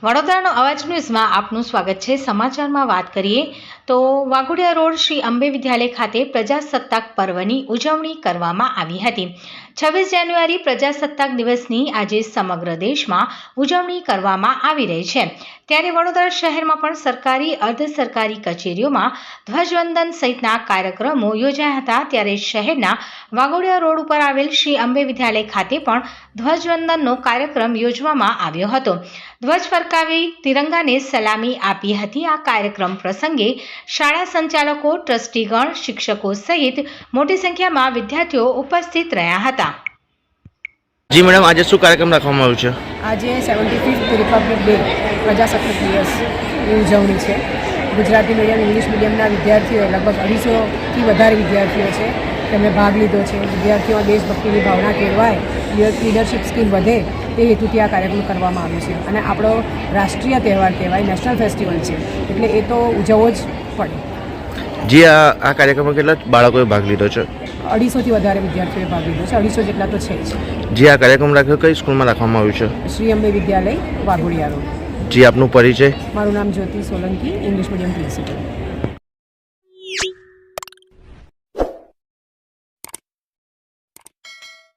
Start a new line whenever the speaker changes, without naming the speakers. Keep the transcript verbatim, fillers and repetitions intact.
વડોદરાનો અવાજ ન્યૂઝમાં આપનું સ્વાગત છે। સમાચારમાં વાત કરીએ તો વાઘોડિયા રોડ શ્રી અંબે વિદ્યાલય ખાતે પ્રજાસત્તાક પર્વની ઉજવણી કરવામાં આવી હતી। છવ્વીસ જાન્યુઆરી પ્રજાસત્તાક દિવસની આજે સમગ્ર દેશમાં ઉજવણી કરવામાં આવી રહી છે, ત્યારે વડોદરા શહેરમાં પણ સરકારી અર્ધ સરકારી કચેરીઓમાં ધ્વજવંદન સહિતના કાર્યક્રમો યોજાયા હતા। ત્યારે શહેરના વાઘોડિયા રોડ ઉપર આવેલ શ્રી અંબે વિદ્યાલય ખાતે પણ ધ્વજવંદનનો કાર્યક્રમ યોજવામાં આવ્યો હતો। ધ્વજ ફરકાવી તિરંગાને સલામી આપી હતી। આ કાર્યક્રમ પ્રસંગે શાળા સંચાલકો, ટ્રસ્ટીગણ, શિક્ષકો સહિત મોટી સંખ્યામાં વિદ્યાર્થીઓ ઉપસ્થિત રહ્યા હતા।
જી મેડમ, આજે શું કાર્યક્રમ રાખવામાં આવ્યો છે?
આજે સેવન્ટી ફિફ્થ રિપબ્લિક ડે પ્રજાસત્તાક દિવસની ઉજવણી છે। ગુજરાતી મીડિયમ, ઇંગ્લિશ મીડિયમના વિદ્યાર્થીઓ લગભગ અઢીસોથી વધારે વિદ્યાર્થીઓ છે, તેમણે ભાગ લીધો છે। વિદ્યાર્થીઓમાં દેશભક્તિની ભાવના કેળવાય, લીડરશિપ સ્કિલ વધે તે હેતુથી આ કાર્યક્રમ કરવામાં આવ્યો છે અને આપણો રાષ્ટ્રીય તહેવાર કહેવાય, નેશનલ ફેસ્ટિવલ છે, એટલે એ તો ઉજવવો જ પડે।
જી, આ આ કાર્યક્રમમાં કેટલા બાળકોએ ભાગ લીધો છે?
અઢીસોથી વધારે વિદ્યાર્થીઓએ ભાગ લીધો છે, અઢીસો જેટલા તો છે જ।
જી, આ કાર્યક્રમ રાખ્યો કઈ સ્કૂલમાં રાખવામાં આવ્યું છે?
શ્રી અંબે વિદ્યાલય, વાઘોડિયા રોડ।
જી, આપનું પરિચય?
મારું નામ Jyoti Solanki, English medium principal.